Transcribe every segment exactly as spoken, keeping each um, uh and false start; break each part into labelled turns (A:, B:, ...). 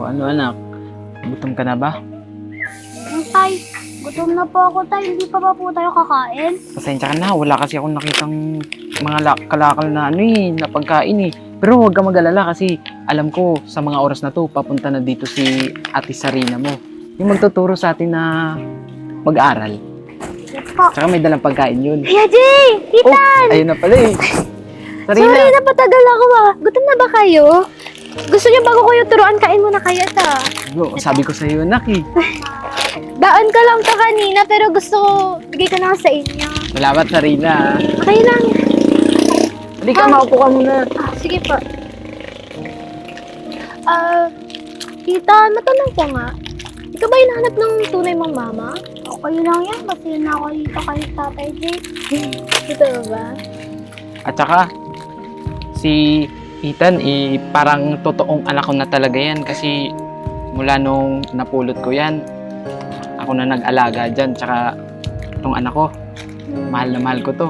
A: O ano anak, gutom ka na ba?
B: Ang tay, gutom na po ako tay. Hindi pa ba po tayo kakain?
A: Pasensya ka na, wala kasi akong nakitang mga lak- kalakal na ano eh, na pagkain eh. Pero huwag ka mag-alala kasi alam ko sa mga oras na to, papunta na dito si Ate Sarina mo. Yung magtuturo sa atin na mag-aral.
B: Yes po.
A: Tsaka may dalang pagkain yun.
B: Kuya Jay!
A: Oh,
B: Titan!
A: ayun na pala eh. Sarina,
B: Sorry, napatagal ako ah. Gutom na ba kayo? Gusto niyo bago kayo turuan, kain muna kayo ta.
A: Yo, sabi ko sa iyo anak eh.
B: Daan ka lang ta kanina, pero gusto ko, bigay ko na sa inyo.
A: Salamat Sarina.
B: Okay lang.
A: Hindi ka,
B: Ah.
A: maupo ka muna.
B: Ah, sige po. Ah, tita, matanong ko nga. Ikaw ba hinahanap ng tunay mong mama? Okay lang yan, kasi na ako dito kay Tatay Jay. Totoo ba?
A: At saka, si Ethan, eh, parang totoong anak ko na talaga yan kasi mula nung napulot ko yan, ako na nag-alaga dyan. Tsaka, itong anak ko, mahal na mahal ko to.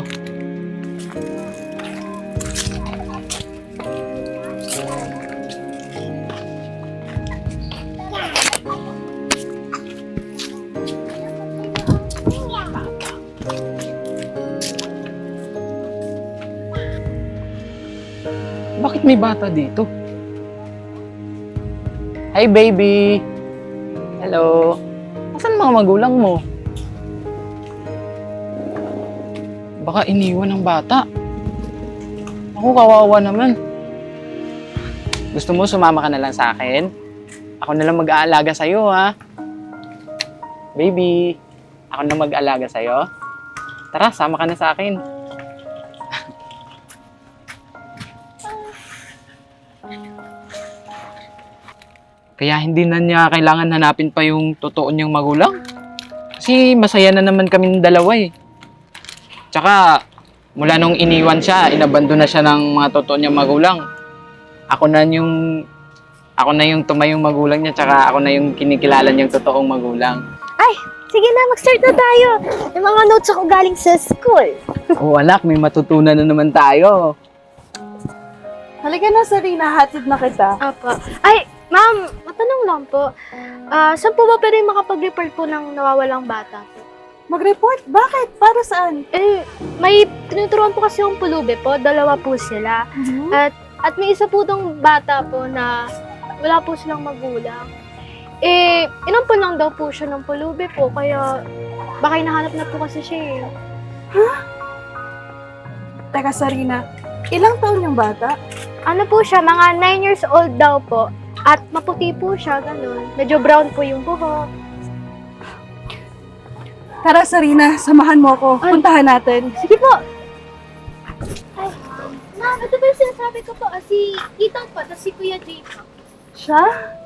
A: Bakit may bata dito? Hi, baby! Hello! Nasaan mga magulang mo? Baka iniwan ng bata. Ako, kawawa naman. Gusto mo sumama ka na lang sa akin? Ako na lang mag-aalaga sa'yo, ha? Baby, ako na mag-aalaga sa'yo. Tara, sama ka na sa akin. Kaya hindi na niya kailangan hanapin pa yung totoo niyang magulang. Kasi masaya na naman kaming dalawa eh. Tsaka, mula nung iniwan siya, inabando na siya ng mga totoo niyang magulang. Ako na yung, ako na yung tumayong magulang niya, tsaka ako na yung kinikilala niyang totoong magulang.
B: Ay, sige na, mag-start na tayo. May mga notes ako galing sa school.
A: Oo anak, may matutunan na naman tayo.
C: Halika na, Sarina. Hatid na kita.
B: Apo. Ay, ma'am, matanong lang po. Ah, saan po ba pwede makapag-report po ng nawawalang bata po?
C: Mag-report? Bakit? Para saan?
B: Eh, may tinuturuan po kasi yung pulubi po. Dalawa po sila. At, at may isa po tong bata po na wala po silang magulang. Eh, inampun lang daw po siya ng pulubi po. Kaya, baka hinahanap na po kasi siya eh.
C: Teka, Sarina. Ilang taon yung bata?
B: Ano po siya, mga nine years old daw po. At maputi po siya, ganun. Medyo brown po yung buhok.
C: Tara, Sarina. Samahan mo ako.
B: Ay.
C: Puntahan natin.
B: Sige po. Ay, ma'am, ito ba yung sinasabi ko po? Ah, si Ethan po, tapos si Kuya Jay po.
C: Siya?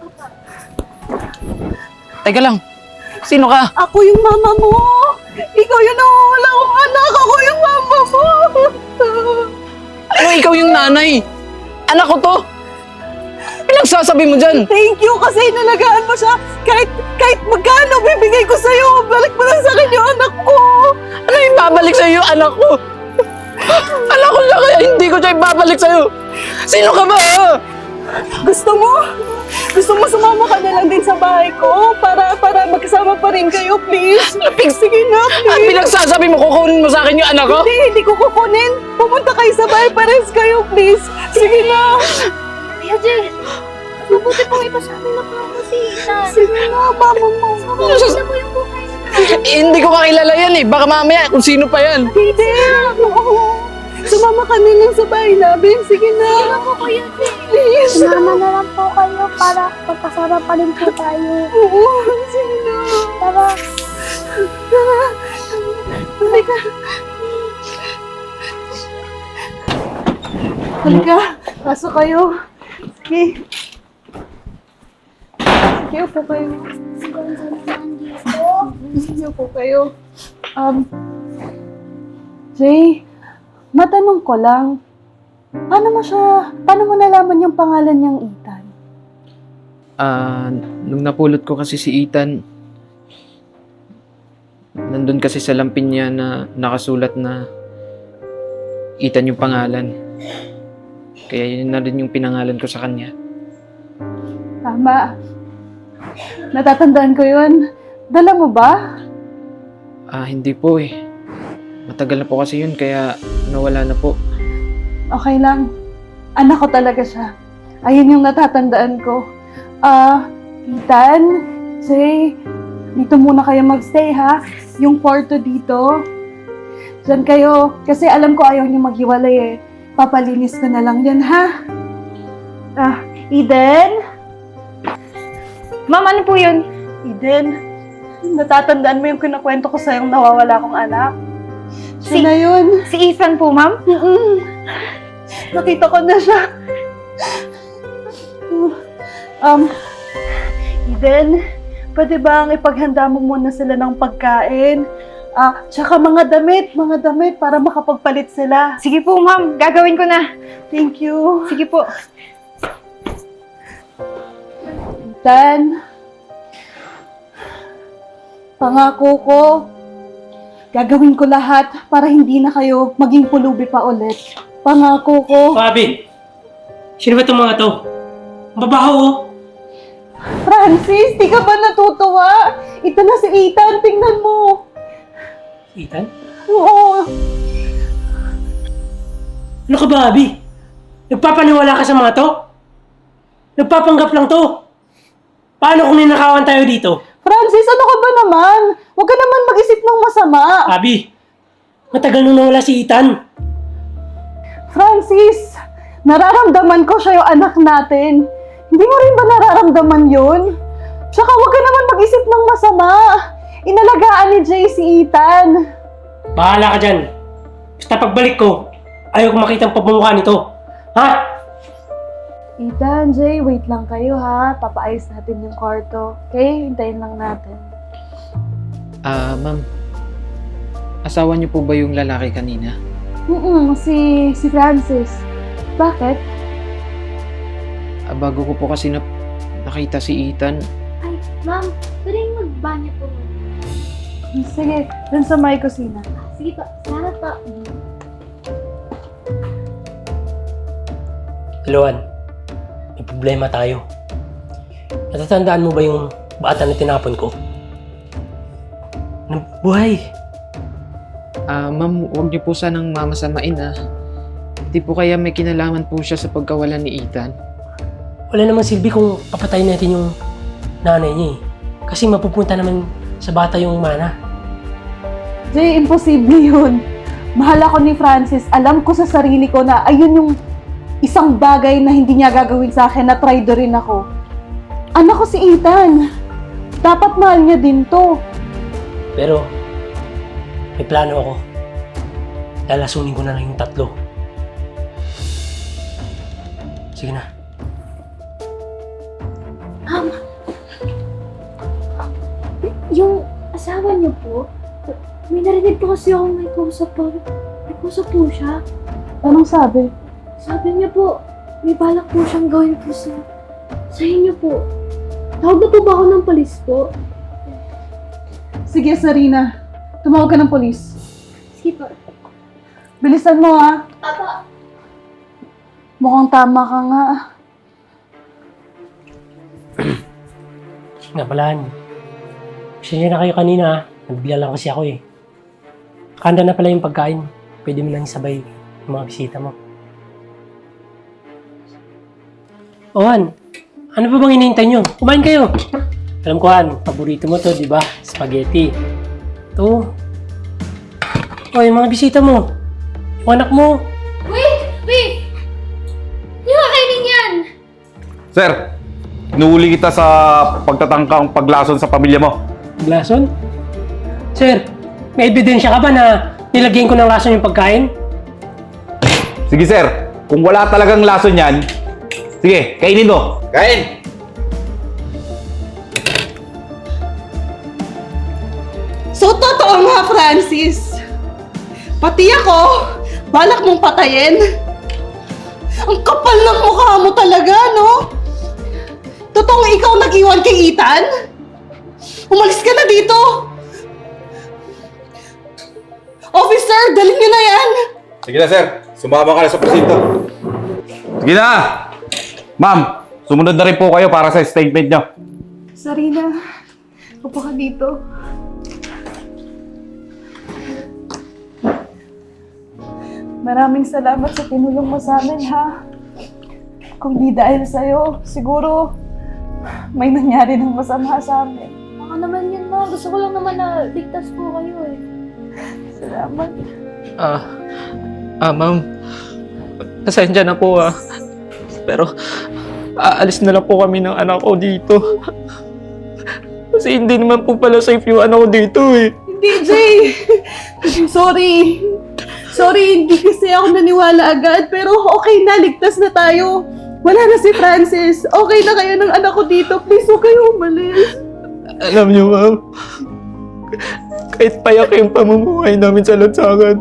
A: Teka lang, sino ka?
C: Ako yung mama mo! Ikaw yung nawawala kong anak! Ako yung mama mo!
A: Ano, ikaw yung nanay? Anak ko to! Pinagsasabi mo dyan?
C: Thank you kasi inalagaan mo siya. Kahit, kahit magkano bibigay ko sa'yo. Balik mo lang sa akin yung anak ko.
A: Ano yung babalik sa'yo yung anak ko? Anak ko lang kaya hindi ko siya ibabalik sa'yo. Sino ka ba? Ha?
C: Gusto mo? Gusto mo sumama ka na lang din sa bahay ko para para magkasama pa rin kayo, please? Sige na,
A: At
C: please.
A: pinagsasabi mo, kukunin mo sa akin yung anak ko?
C: Hindi, hindi ko kukunin. Pumunta kayo sa bahay, pares kayo, please. Sige na.
B: Kuya Jay, mabuti po ipasabi na po ako si Ethan.
C: Sige na, mama mo.
B: Mabuti na po yung buhay niya.
A: Eh, hindi ko kakilala yan eh. Baka mamaya kung sino pa yan.
C: Hindi. Oo. Sumama ka na lang sa bahay namin. Sige na.
B: Ano po, Kuya Jay?
C: Please.
B: Sumama na lang po kayo para magkasama pa rin po tayo.
C: Oo, sige na.
B: Tara.
C: Halika. Halika. Pasok kayo. Sige. Sige, upo kayo. Sige, upo kayo. Um, Jay, matanong ko lang, paano mo siya, paano mo nalaman yung pangalan niyang Ethan?
A: Ah, nung napulot ko kasi si Ethan, nandun kasi sa lampin niya na nakasulat na Ethan yung pangalan. Kaya yun na rin yung pinangalan ko sa kanya.
C: Tama. Natatandaan ko yun. Dala mo ba?
A: Ah, hindi po eh. Matagal na po kasi yun, kaya nawala na po.
C: Okay lang. Anak ko talaga siya. Ayun yung natatandaan ko. Ah, Ethan, Jay, dito muna kayo magstay ha. Yung kwarto dito. Diyan kayo. Kasi alam ko ayaw niyo maghiwalay eh. Papalinis ko na lang yan ha. Ah, Eden?
B: Ma'am, ano po yun?
C: Eden, natatandaan mo yung kinakwento ko sa'yong nawawala kong anak? Siya
B: Si-
C: na yun.
B: Si Ethan po, ma'am?
C: Mm-mm. Nakita ko na siya. Um, Eden, pwede bang ipaghanda mo muna sila ng pagkain? Ah, tsaka mga damit, mga damit para makapagpalit sila.
B: Sige po, ma'am. Gagawin ko na.
C: Thank you.
B: Sige po.
C: Ethan, pangako ko, gagawin ko lahat para hindi na kayo maging pulubi pa ulit. Pangako ko.
D: Pabi, sino ba itong mga to? Ang babaho oh.
C: Francis, di ka ba natutuwa? Ito na si Ethan, tingnan mo.
D: Ethan?
C: Oo.
D: Ano ka ba, Abi? Nagpapaniwala ka sa mga to? Nagpapanggap lang to. Paano kung ninakawan tayo dito?
C: Francis, ano ka ba naman? Huwag ka naman mag-isip ng masama.
D: Abi, matagal nung nawala si Ethan.
C: Francis, nararamdaman ko siya yung anak natin. Hindi mo rin ba nararamdaman yun? Tsaka huwag ka naman mag-isip ng masama. Inalagaan ni Jay si Ethan.
D: Bahala ka dyan. Basta pagbalik ko, ayaw ko makita ang pagmumukha nito. Ha?
C: Ethan, Jay, wait lang kayo ha. Papaayos natin yung kwarto. Okay? Hintayin lang natin.
A: Ah, ma'am. Asawa niyo po ba yung lalaki kanina?
C: Mm si, si Francis. Bakit?
A: Ah, bago ko po kasi na nakita si Ethan.
B: Ay, ma'am. Pwede magbanyo po.
C: Sige, dun sa may kusina.
B: Sige po. Salamat po.
D: Luan, may problema tayo. Natatandaan mo ba yung bata na tinapon ko? Nabuhay.
A: Ah, ma'am, huwag niyo po sanang mamasamain ah. Hindi po kaya may kinalaman po siya sa pagkawalan ni Ethan.
D: Wala namang silbi kung papatayin natin yung nanay niya eh. Kasi mapupunta naman sa bata yung mana.
C: Jay, imposible yun. Mahal ako ni Francis. Alam ko sa sarili ko na ayun yung isang bagay na hindi niya gagawin sa akin na traitor rin ako. Anak ko si Ethan. Dapat mahal niya din to.
D: Pero, may plano ako. Lalasunin ko na lang yung tatlo. Sige na.
B: Yung asawa niyo po, may narinig po kasi ako may kausap po. May kausap po siya.
C: Anong sabi?
B: Sabi niya po, may balak po siyang gawin po sa, sa inyo po. Tawag na po ba ako ng polis po?
C: Sige, Sarina. Tumawag ka ng polis.
B: Sige po.
C: Bilisan mo ha.
B: Papa.
C: Mukhang tama ka nga.
D: Nga palaan. Pasensya na kayo kanina ha. Nabigla lang kasi ako eh. Kanda na pala yung pagkain. Pwede mo nang isabay yung mga bisita mo. Ohan, ano pa bang hinihintay nyo? Kumain kayo! Alam ko Han, paborito mo to, di ba? Spaghetti. Ito. O, yung mga bisita mo. Yung anak mo.
B: Wait! Wait! Hindi ko kainin yan!
E: Sir, inuuli kita sa pagtatangkang paglason sa pamilya mo.
D: Lason? Sir, may ebidensya ka ba na nilagyan ko ng lason yung pagkain?
E: Sige sir, kung wala talagang lason yan, sige, kainin mo. Kain!
C: So, totoo nga, Francis. Pati ako, balak mong patayin. Ang kapal ng mukha mo talaga, no? Totoong ikaw nag-iwan kay Ethan? Umalis ka na dito! Officer, dalhin niyo na yan!
E: Sige na sir, sumama ka na sa presinto. Sige na! Ma'am, sumunod na rin po kayo para sa statement nyo.
C: Sarina, upo ka dito. Maraming salamat sa tinulong mo sa amin, ha? Kung di dahil sa'yo, siguro may nangyari ng masama sa amin.
B: Baka naman yun, ma. Gusto ko lang naman na ligtas po kayo eh.
C: Salamat.
A: Ah, ah, ma'am. Pasensya na po ah. Pero, aalis na lang po kami ng anak ko dito. Kasi hindi naman po pala safe yung anak ko dito eh.
C: Hindi, Jay! Sorry. Sorry, hindi kasi ako naniwala agad. Pero okay na, ligtas na tayo. Wala na si Francis. Okay na kayo ng anak ko dito. Please, huwag kayo umalis.
A: Alam niyo, ma'am, kahit payak yung pamumuhay namin sa lansangan,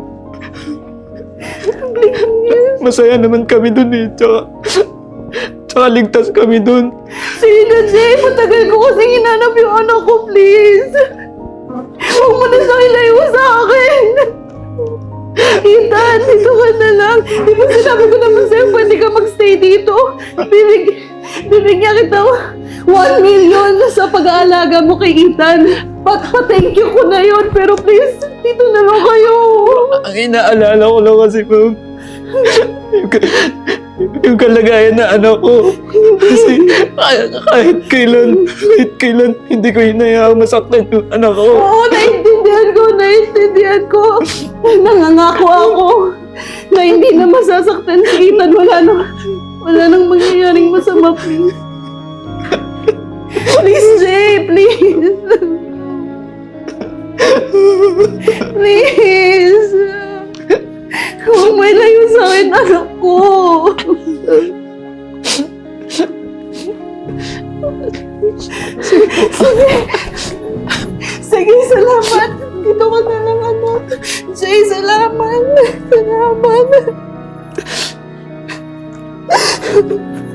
A: masaya naman kami dun eh. Tsaka, tsaka ligtas kami dun.
C: Sige na, Jay. Matagal ko kasi hinanap yung anak ko, please. Huwag mo na siya ilayo sa akin. Ethan, dito ka na lang. Di ba sinabi ko naman sa'yo, pwede ka magstay dito. Bibig, bibigyan kita one million sa pag-aalaga mo kay Ethan. Pat pa-thank you ko na yun, pero please, dito na lang kayo.
A: Ang inaalala ko lang kasi, ma'am, yung, yung kalagayan na anak ko. Kasi kahit, kahit kailan, kahit kailan, hindi ko hinayaan masaktan yung anak ko.
C: Oo, naintindihan ko, naintindihan ko. Nangangako ako na hindi na masasaktan si Ethan. Wala nang, wala nang mangyayaring masama, please. Please, Jay, please. Please. Huwag may layo sa akin, anak ko. Sige. Sige, salamat. Dito ka na lang, anak. Jay, salamat. Salamat.